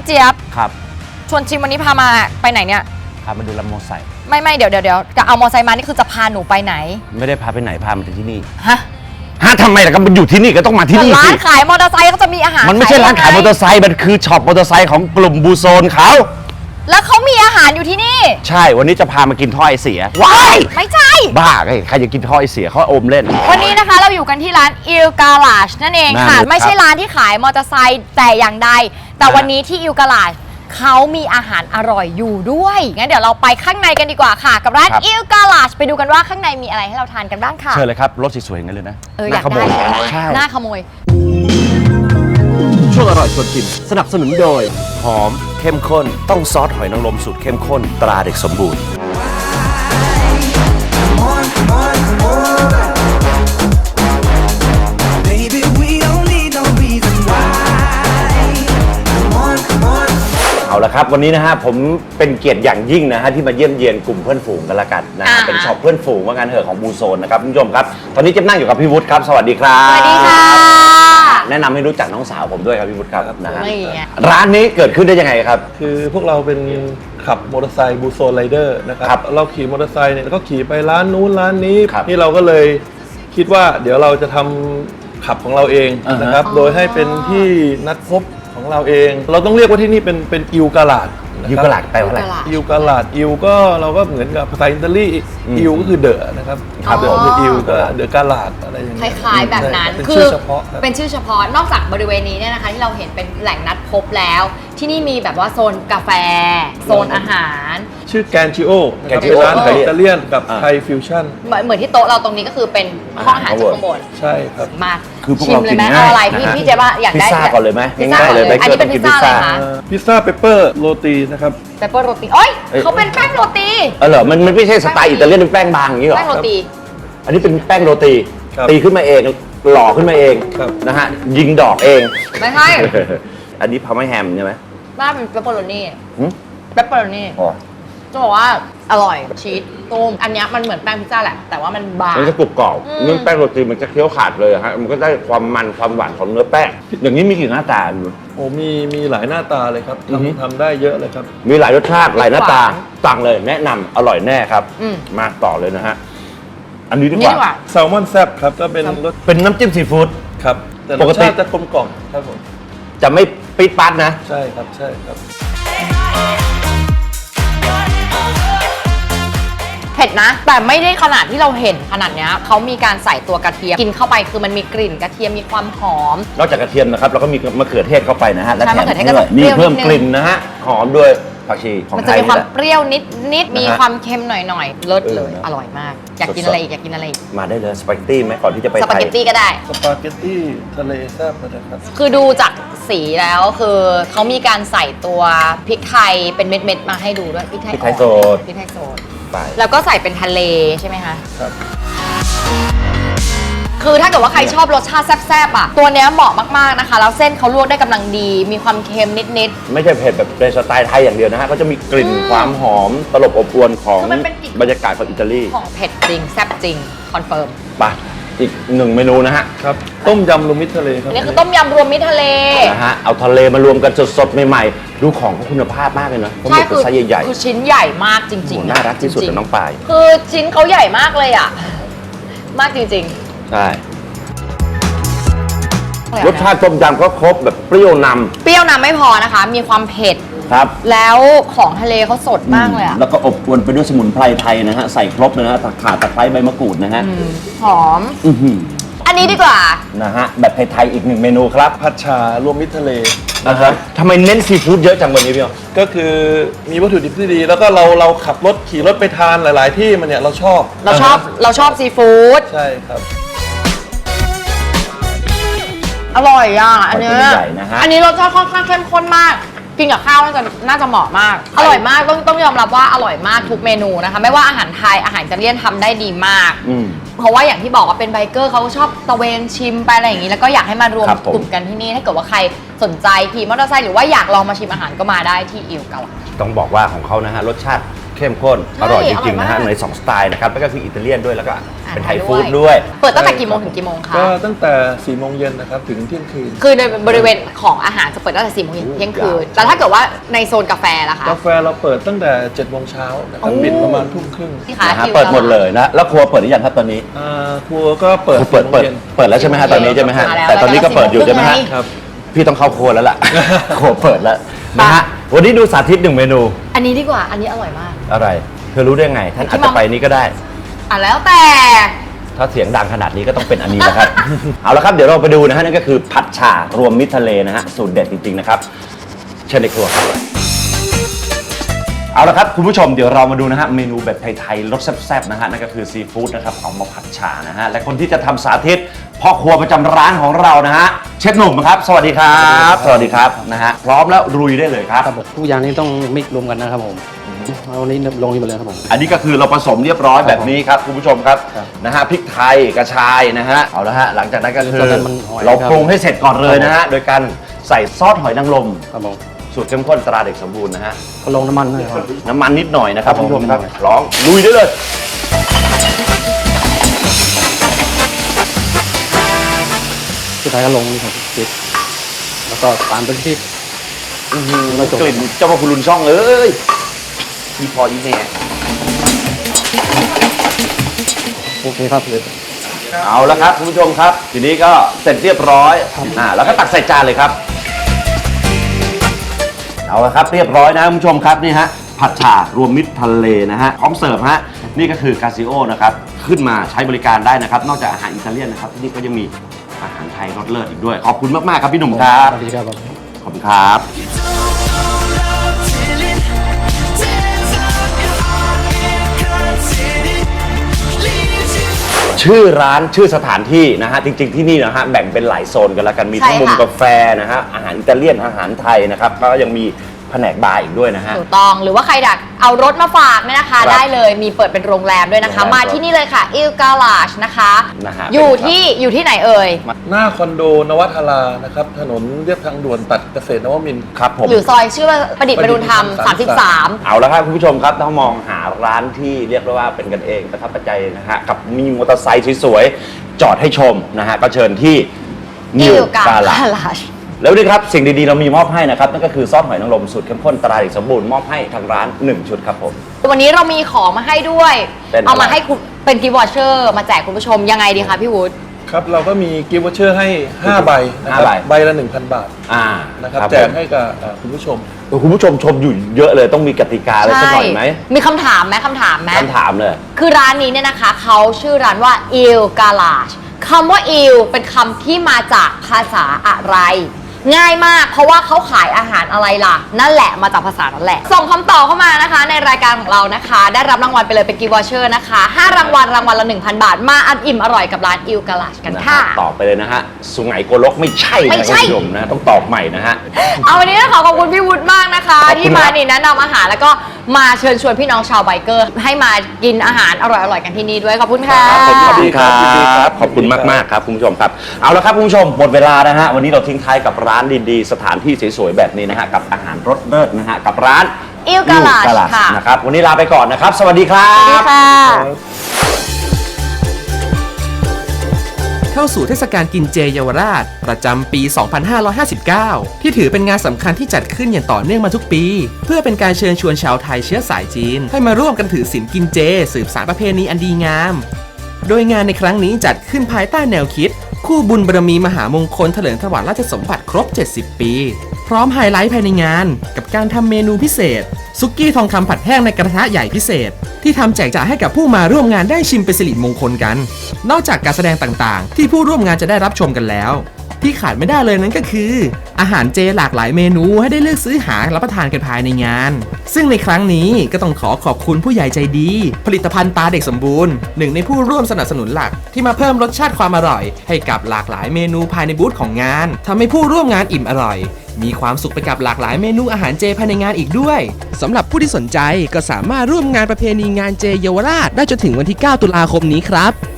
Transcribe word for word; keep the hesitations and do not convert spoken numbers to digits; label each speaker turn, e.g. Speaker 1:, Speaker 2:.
Speaker 1: เจี๊ยบ
Speaker 2: ครับ
Speaker 1: ชวนชิมวันนี้พามาไปไหนเนี่ย
Speaker 2: พามาดูลำโมไซ
Speaker 1: ไม่ไม่เดี๋ยวเดี๋ยวเดี๋ยวจะเอามอไซค์มานี่คือจะพาหนูไปไหน
Speaker 2: ไม่ได้พาไปไหนพามาที่นี่
Speaker 1: ฮะ
Speaker 2: ฮะทำไมล่ะก็มันอยู่ที่นี่ก็ต้องมาที่นี่สิ
Speaker 1: ร้านขายมอเตอร์ไซค์ก็จะมีอาหาร
Speaker 2: มันไม่ใช่ร้านขายมอเตอร์ไซค์มันคือช็อปมอเตอร์ไซค์ของกลุ่มบูโซนเขา
Speaker 1: แล้วเขามีอาหารอยู่ที่นี่
Speaker 2: ใช่วันนี้จะพามากินท่อไอเสียว้าย
Speaker 1: ไม่ใช่
Speaker 2: บ้าไงใครจะกินท่อไอเสียเขาอมเล่น
Speaker 1: วันนี้นะคะเราอยู่กันที่ร้านอิลกาลาชนั่นเองค่ะไม่ใช่ร้านที่ขายมอเตอร์ไซค์แต่อย่างใดแต่วันนี้ที่อิลกาลาชเขามีอาหารอร่อยอยู่ด้วยงั้นเดี๋ยวเราไปข้างในกันดีกว่าค่ะกับร้านอิลกาลาชไปดูกันว่าข้างในมีอะไรให้เราทานกันบ้างค่ะ
Speaker 2: เชิญเลยครับรถสวยๆงั้นเลยนะ
Speaker 1: เอออยากได้ใช่หน้าขโมย
Speaker 2: ช่วงอร่อยชวนชิมสนับสนุนโดยหอมเข้มข้นต้องซอสหอยนางรมสูตรเข้มข้นตราเด็กสมบูรณ์เอาละครับวันนี้นะฮะผมเป็นเกียรติอย่างยิ่งนะฮะที่มาเยี่ยมเยียนกลุ่มเพื่อนฝูงกันละกันนะเป็นช็อปเพื่อนฝูงว่างั้นเถอะของบูโซนนะครับคุณผู้ชมครับตอนนี้เจ๊นั่งอยู่กับพี่วุฒิครับสวัสดีครับ
Speaker 1: สวัสดีค่ะ
Speaker 2: แนะนำให้รู้จักน้องสาวผมด้วยครับพี่วุฒิครับนะฮะร้านนี้เกิดขึ้นได้ยังไงครับ
Speaker 3: คือพวกเราเป็นขับมอเตอร์ไซค์บูโซนไรเดอร์นะครับเราขี่มอเตอร์ไซค์เนี่ยก็ขี่ไปร้านนู้นร้านนี้นี่เราก็เลยคิดว่าเดี๋ยวเราจะทำขับของเราเองนะครับโดยให้เป็นที่นัดพบของเราเองเราต้องเรียกว่าที่นี่เป็นเป็นอิลกาลาด
Speaker 2: อิลกาลาดแปลว่าอะไร
Speaker 3: อิลกาลาดอิลก็เราก็เหมือนกับภาษาอิตาลีอิลก็คือเดอะนะครับเดอะคืออิลก็เดอะกาลาดอะไรอย่างเงี้
Speaker 1: ยคล้ายๆแบบนั้น
Speaker 3: เป็นชื่อเฉพาะ
Speaker 1: เป็นชื่อเฉพาะนอกจากบริเวณนี้เนี่ยนะคะที่เราเห็นเป็นแหล่งนัดพบแล้วที่นี่มีแบบว่าโซนกาแฟโซนอาหาร
Speaker 3: ชื่อแกนจิโอเป็นร้านอิตาเลียนกับไทยฟิวชั่น
Speaker 1: เหมือนเหมือนที่โต๊ะเราตรงนี้ก็คือเป็นห้องอาหารจากข้างบน
Speaker 3: ใช่ครับ
Speaker 1: มา
Speaker 2: คือพวก
Speaker 1: ชิมเลยไหมเอาอะไรพี่พี่เจ๊ว่าอยากได้
Speaker 2: พิซซ่าก่อนเลยไหม
Speaker 1: ง่ายๆเลยอันนี้เป็นพิซซ่าอะไรคะ
Speaker 3: พิซซ่าเปปเปอร์โรตีนะครับ
Speaker 1: เปปเปอร์โรตีโอ้ยเขาเป็นแป้งโรตี
Speaker 2: เออเหรอมันมันไม่ใช่สไตล์อิตาเลียนเป็นแป้งบางอย่างนี้หรอ
Speaker 1: แป้งโรตี
Speaker 2: อันนี้เป็นแป้งโรตีตีขึ้นมาเองหล่อขึ้นมาเองนะฮะยิงดอกเอง
Speaker 1: ไม่ใช่
Speaker 2: อันนี้พาร์เมแฮมใช่ไหม
Speaker 1: บ้าเป็นเปปเปอโรนี่เปปเปอโรนี่จะบอกว่าอร่อยชีสตุ้มอันนี้มันเหมือนแป้งพิซซ่าแหละแต่ว่ามันบาง
Speaker 2: มันจะกรุบกรอบเนื้อแป้งโรตีมันจะเคี้ยวขาดเลยฮะมันก็ได้ความมันความหวานของเนื้อแป้งอย่างนี้มีกี่หน้าตา
Speaker 3: โอ้มีมีหลายหน้าตาเลยครับทำทำได้เยอะเลยครับ
Speaker 2: มีหลายรสชาติหลายหน้าตาสั่งเลยแนะนำอร่อยแน่ครับมาต่อเลยนะฮะอันนี้ดีกว่า
Speaker 3: แซลมอนแซ่บครับก็เป็นรส
Speaker 2: เป็นน้ำจิ้มซีฟู้ด
Speaker 3: ครับแต่รสชาติจะกลมกล่อมครับผม
Speaker 2: จะไม่ปิดปัดนะ
Speaker 3: ใช่ครับใช่ครับ
Speaker 1: เผ็ดนะแต่ไม่ได้ขนาดที่เราเห็นขนาดนี้เขามีการใส่ตัวกระเทียมกินเข้าไปคือมันมีกลิ่นกระเทียมมีความหอม
Speaker 2: นอกจากกระเทียมนะครับเราก็มีมะเขือเทศเข้าไปนะฮะและแถม
Speaker 1: ด้วย
Speaker 2: มีเพิ่มกลิ่นนะฮะหอมด้วยผักชีของไทย
Speaker 1: มันจะมีความเปรี้ยวนิดนิดมีความเค็มหน่อยหน่อยเลิศเลยอร่อยมากอยากกินอะไรอีกอยากกินอะไรอีก
Speaker 2: มาได้เลยสปาเกตตี้ไหมก่อนที่จะไปไทย
Speaker 1: สปาเกตตี้ก็ได้
Speaker 3: สปาเกตตี้ทะเลแซ่บนะครับ
Speaker 1: คือดูจากสีแล้วคือเขามีการใส่ตัวพริกไทยเป็นเม็ดๆมาให้ดูด้วยพริกไทย
Speaker 2: พริกไทยโซด
Speaker 1: พริกไทยโซดแล้วก็ใส่เป็นทะเลใช่ไหมคะ
Speaker 3: ครับ
Speaker 1: คือถ้าเกิดว่าใครชอบรสชาติแซ่บๆอ่ะตัวเนี้ยเหมาะมากๆนะคะแล้วเส้นเขาลวกได้กำลังดีมีความเค็มนิด
Speaker 2: ๆไม่ใช่เผ็ดแบบในสไตล์ไทยอย่างเดียวนะฮะก็จะมีกลิ่นความหอมตลบอบอวลของบรรยากาศของอิตาลี
Speaker 1: ของเผ็ดจริงแซ่บจริงคอนเฟิร์ม
Speaker 2: ไปอีกหนึ่งเมนูนะฮะ
Speaker 3: ครับต้มยำรวมมิตรทะเลครับ
Speaker 1: นี่คือต้มยำรวมมิตรทะเล
Speaker 2: นะฮะเอาทะเลมารวมกันสดๆใหม่ๆดูของเขาคุณภาพมากเลยนะ
Speaker 1: ใช่คือไซ
Speaker 2: ส์ใหญ่
Speaker 1: ๆคือชิ้นใหญ่มากจริง
Speaker 2: ๆน่ารักที่สุดน้องปาย
Speaker 1: คือชิ้นเขาใหญ่มากเลยอ่ะมากจริง
Speaker 2: ๆใช่รสชาติต้มยำก็ครบแบบเปรี้ยวนำ
Speaker 1: เปรี้ยวนำไม่พอนะคะมีความเผ็ด
Speaker 2: ครับ
Speaker 1: แล้วของทะเลเขาสดมากเลยอะ
Speaker 2: แล้วก็อบอวลไปด้วยสมุนไพรไทยนะฮะใส่ครบเลยนะฮะข่าตะไคร้ใบมะกรูดนะฮะ
Speaker 1: หอมอันนี้ดีกว่า
Speaker 2: นะฮะแบบไทยๆอีกหนึ่งเมนูครับ
Speaker 3: ผัดฉ่ารวมมิตรทะเล
Speaker 2: นะฮะทำไมเน้นซีฟู้ดเยอะจังวันนี้พี่อ๋อ
Speaker 3: ก็คือมีวัตถุดิบที่ดีแล้วก็เราเราขับรถขี่รถไปทานหลายๆที่มันเนี่ยเราชอบ
Speaker 1: เราชอบเราชอบซีฟู้ด
Speaker 3: ใช่ครับ
Speaker 1: อร่อยอ่ะอันนี้อันนี้รสชาติค่อนข้างเข้มข้นมากกินกับข้าวน่าจะน่าจะเหมาะมากอร่อยมากต้องต้องยอมรับว่าอร่อยมากทุกเมนูนะคะไม่ว่าอาหารไทยอาหารอิตาเลียนทำได้ดีมากเพราะว่าอย่างที่บอกว่าเป็นไบเกอร์เขาก็ชอบตะเวนชิมไปอะไรอย่างนี้แล้วก็อยากให้มารวมกลุ่มกันที่นี่ถ้าเกิดว่าใครสนใจขี่มอเตอร์ไซค์หรือว่าอยากลองมาชิมอาหารก็มาได้ที่อิลกาลาช
Speaker 2: ต้องบอกว่าของเขานะฮะรสชาติเข้มข้นอร่อยจริงๆ
Speaker 1: อร่อยมาก
Speaker 2: นะฮะในสองสไตล์นะครับแล้วก็คืออิตาเลียนด้วยแล้วก็
Speaker 1: อ่า
Speaker 2: เป็นไทย
Speaker 1: ด้วย
Speaker 2: ฟู้ดด้วย
Speaker 1: เปิดตั้งแต่กี่โมงถึงกี่โมงคะ
Speaker 3: ก็ตั้งแต่สี่โมงเย็นนะครับถึงเที่ยงคืน
Speaker 1: คือในบริเวณของอาหารจะเปิดตั้งแต่สี่โมงเย็นถึงเที่ยงคืนแต่ถ้าเกิดว่าในโซนกาแฟล่ะคะ
Speaker 3: กาแฟเราเปิดตั้งแต่เจ็ดโมงเช้านะครับ
Speaker 1: โอ้
Speaker 3: ปิดประมาณทุ่มครึ่ง
Speaker 1: นี่ค่ะ
Speaker 2: นะฮะ
Speaker 1: คิว
Speaker 2: เปิดหมดเลยนะแล้วครัวเปิดหรือยังครับตอนนี้
Speaker 3: อ่าครัวก็เปิด
Speaker 2: เปิดเปิด
Speaker 3: สี่โมงย็น
Speaker 2: เปิดแล้วใช่ไหมฮะตอนนี้ใช่ไหมฮะ
Speaker 1: มาแล้ว
Speaker 2: แต่ตอนนี้ก็เปิดอยู่ใช่ไหมฮะ
Speaker 3: ครับ
Speaker 2: พี่ต้องเข้าครัวแล้วล่ะ ครัวเปิดแล้วนะฮะวันนี้ดูสาธิตหนึ่งเมนู
Speaker 1: อันนี้ดีกว่าอันนี้อร่อยมาก
Speaker 2: อะไรเธอรู้ได้ไง ท่านอาจจะไปนี้ก็ได้
Speaker 1: อ่ะแล้วแต่
Speaker 2: ถ้าเสียงดังขนาดนี้ก็ต้องเป็นอันนี้นะครับ เอาละครับเดี๋ยวเราไปดูนะฮะนั่นก็คือผัดฉ่ารวมมิตรทะเลนะฮะสูตรเด็ดจริงๆนะครับเชิญในครัวครับเอาละครับคุณผู้ชมเดี๋ยวเรามาดูนะฮะเมนูแบบไทยๆรสแซ่บๆนะฮะนั่นก็คือซีฟู้ดนะครับเอามาผัดฉ่านะฮะและคนที่จะทำสาธิตพ่อครัวประจำร้านของเรานะฮะเชฟหนุ่มครับสวัสดีครับสวัสดีครับนะฮะพร้อมแล้วลุยได้เลยครับ
Speaker 4: ครับผมทุกอย่างนี้ต้องมิกรวมกันนะครับผมเอาวันนี้ลงนี่มาเลยครับผม
Speaker 2: อันนี้ก็คือเราผสมเรียบร้อยแบบนี้ครับคุณผู้ชมครับ
Speaker 4: ครับ
Speaker 2: นะฮะพริกไทยกระชายนะฮะเอาละฮะหลังจากนั้นก็คือ
Speaker 4: ตอนนั้นมันหอย
Speaker 2: เรา
Speaker 4: ครับ
Speaker 2: ปรุงให้เสร็จก่อนเลยนะฮะโดยการใส่ซอสหอยนางรม
Speaker 4: ครับผม
Speaker 2: สูตรเข้มข้นตราเด็กสมบูรณ์นะฮะ
Speaker 4: ก็ลงน้ำมันด้วยครับ
Speaker 2: น้ำมันนิดหน่อยนะครับ
Speaker 4: ครับ
Speaker 2: คุณผู้ชมครับ
Speaker 4: นิดหน่อย
Speaker 2: ลองลุยได้เลย
Speaker 4: สุดท้ายก็ลงนี่ครับพริกแล้วก็ตามด้วยพริก
Speaker 2: อื้อหือ
Speaker 4: ไม่จบ
Speaker 2: กลิ่นเจ้าพ่อคุณลุนช่องเอ้ยมีพออีแน่
Speaker 4: โอเคครับเลย
Speaker 2: เอาละครับคุณผู้ชมครับ ทีนี้ก็เสร็จเรียบร้อยอ่าแล้วก็ตักใส่จานเลยครับ เอาละครับเรียบร้อยนะคุณผู้ชมครับนี่ฮะผัดฉ่ารวมมิตรทะเลนะฮะพร้อมเสิร์ฟฮะนี่ก็คือกาซิโอนะครับขึ้นมาใช้บริการได้นะครับ นอกจากอาหารอิตาเลียนนะครับที่นี่ก็ยังมีอาหารไทยรสเลิศอีกด้วย ขอบคุณมากๆครับพี่หนุ่มครับ
Speaker 4: สวัสดีครับผม
Speaker 2: ขอบคุณครับ ชื่อร้านชื่อสถานที่นะฮะจริงๆที่นี่นะฮะแบ่งเป็นหลายโซนกันแล้วกันมีทั้ง
Speaker 1: ใช่ค่ะ
Speaker 2: มุมกาแฟนะฮะอาหารอิตาเลียนอาหารไทยนะครับแล้วก็ยังมีแผนกบาร์อีกด้วยนะฮะ
Speaker 1: ถูกต้องหรือว่าใครดักเอารถมาฝากเนี่ยนะคะ
Speaker 2: ครับ
Speaker 1: ได้เลยมีเปิดเป็นโรงแรมด้วยนะคะ
Speaker 2: โรงแรม
Speaker 1: มาที่นี่เลยค่ะอิลกาลาชนะคะ
Speaker 2: นะฮะ
Speaker 1: อยู่ที่อยู่ที่ไหนเอ่ย
Speaker 3: หน้าคอนโดนวัฒรานะครับถนนเรียบทางด่วนตัดเกษตรนวมินทร์
Speaker 2: ครับผม
Speaker 1: หรือซอยชื่อว่าประดิษฐ์ประดุลธรรม
Speaker 3: ประดิษฐ์ประดุลธรรม
Speaker 1: สามสิบสาม
Speaker 2: เอาละครับคุณผู้ชมครับถ้ามองหาร้านที่เรียกได้ว่าเป็นกันเองประทับใจนะฮะกับมีมอเตอร์ไซค์สวยๆจอดให้ชมนะฮะก็เชิญที่นิว
Speaker 1: อิลกาก
Speaker 2: าลา
Speaker 1: ลาช
Speaker 2: แล้วนี่ครับสิ่งดีๆเรามีมอบให้นะครับนั่นก็คือซอสหอยนางรมสูตรเข้มข้นตราเด็กสมบูรณ์มอบให้ทางร้านหนึ่งชุดครับผม
Speaker 1: วันนี้เรามีของมาให้ด้วย
Speaker 2: เป็นอะไร
Speaker 1: เอามาให้คุณเป็นกิฟต์วอเชอร์มาแจกคุณผู้ชมยังไงดีคะพี่วุฒิ
Speaker 3: ครับเราก็มีกิฟต์วอเชอร์ให้ห้าใบนะครับ
Speaker 2: ห้าใบ
Speaker 3: ใบละ หนึ่งพัน บาท
Speaker 2: อ่า
Speaker 3: นะครับ
Speaker 2: ผม
Speaker 3: แจกให้กับเอ่อคุณผู้ชม
Speaker 2: เออคุณผู้ชมชมอยู่เยอะเลยต้องมีกติกาอะไรสักหน่อยไหม
Speaker 1: มีคำถามไหมคำถามไหม
Speaker 2: คำถามเลย
Speaker 1: คือร้านนี้เนี่ยนะคะเขาชื่อร้านว่า Il Garage คำว่า Il เป็นคำที่มาจากภาษาอะไร ง่ายมากเพราะว่าเขาขายอาหารอะไรล่ะ นั่นแหละมาจากภาษานั่นแหละ ส่งคำตอบเข้ามานะคะในรายการของเรานะคะ ได้รับรางวัลไปเลยเป็นกิฟต์วอเชอร์นะคะห้ารางวัลรางวัลละ หนึ่งพัน บาท มาอันอิ่มอร่อยกับร้าน Il Garage กัน
Speaker 2: นะ
Speaker 1: ค่ะ
Speaker 2: ฮะตอบไปเลยนะฮะสุไหงโกลกไม่ใช่
Speaker 1: ไม่
Speaker 2: นะ
Speaker 1: ใช่
Speaker 2: คุณผู้ชมนะต้องตอบใหม่นะฮะ
Speaker 1: เอาวันนี้ต้องขอขอบคุณพี่วุฒิมากนะคะ
Speaker 2: ขอบคุณ
Speaker 1: ที่มา
Speaker 2: ครับ
Speaker 1: นี่แนะนำอาหารแล้วก็มาเชิญชวนพี่น้องชาวไบเกอร์ ให้มากินอาหารอร่อยๆกันที่นี่ด้วยขอบคุณค่ะ
Speaker 2: ครับผมขอบคุณครั
Speaker 3: ยินดีครับ บ
Speaker 2: ขอบคุณมากๆครับคุณผู้ชมครับเอาละครับคุณผู้ชมหมดเวลานะฮะวันนี้เราทิ้งท้ายกับร้านดีๆสถานที่สวยๆแบบนี้นะฮะกับอาหารรสเลิศนะฮะกับร้าน
Speaker 1: Il Garage
Speaker 2: อิล Garage
Speaker 1: ค่ะ
Speaker 2: นะครับวันนี้ลาไปก่อนนะครับ สวัสดีครั
Speaker 1: สวัสดี
Speaker 2: บ
Speaker 1: ค่ะ
Speaker 5: เข้าสู่เทศกาลกินเจเยาวราช ประจำปี สองพันห้าร้อยห้าสิบเก้า ที่ถือเป็นงานสำคัญที่จัดขึ้นอย่างต่อเนื่องมาทุกปี เพื่อเป็นการเชิญชวนชาวไทยเชื้อสายจีน ให้มาร่วมกันถือศีลกินเจ สืบสานประเพณีอันดีงาม โดยงานในครั้งนี้จัดขึ้นภายใต้แนวคิด คู่บุญบารมีมหามงคลเถลิงถวัลย์ราชสมบัติครบ เจ็ดสิบ ปี พร้อมไฮไลท์ภายในงาน กับการทำเมนูพิเศษ ซุกี้ทองคำผัดแห้งในกระทะใหญ่พิเศษ ที่ทำแจกจ่ายให้กับผู้มาร่วมงานได้ชิมเป็นสิริมงคลกัน นอกจากการแสดงต่างๆ ที่ผู้ร่วมงานจะได้รับชมกันแล้ว ที่ขาดไม่ได้เลยนั้นก็คือ อาหารเจหลากหลายเมนูให้ได้เลือกซื้อหารับประทานกันภายในงาน ซึ่งในครั้งนี้ก็ต้องขอขอบคุณผู้ใหญ่ใจดี ผลิตภัณฑ์ตาเด็กสมบูรณ์หนึ่งในผู้ร่วมสนับสนุนหลักที่มาเพิ่มรสชาติความอร่อย ให้กับหลากหลายเมนูภายในบูธของงานทำให้ผู้ร่วมงานอิ่มอร่อย มีความสุขไปกับหลากหลายเมนูอาหารเจภายในงานอีกด้วยสำหรับผู้ที่สนใจก็สามารถร่วมงานประเพณีงานเจเยาวราชได้จนถึงวันที่ เก้า ตุลาคมนี้ครับ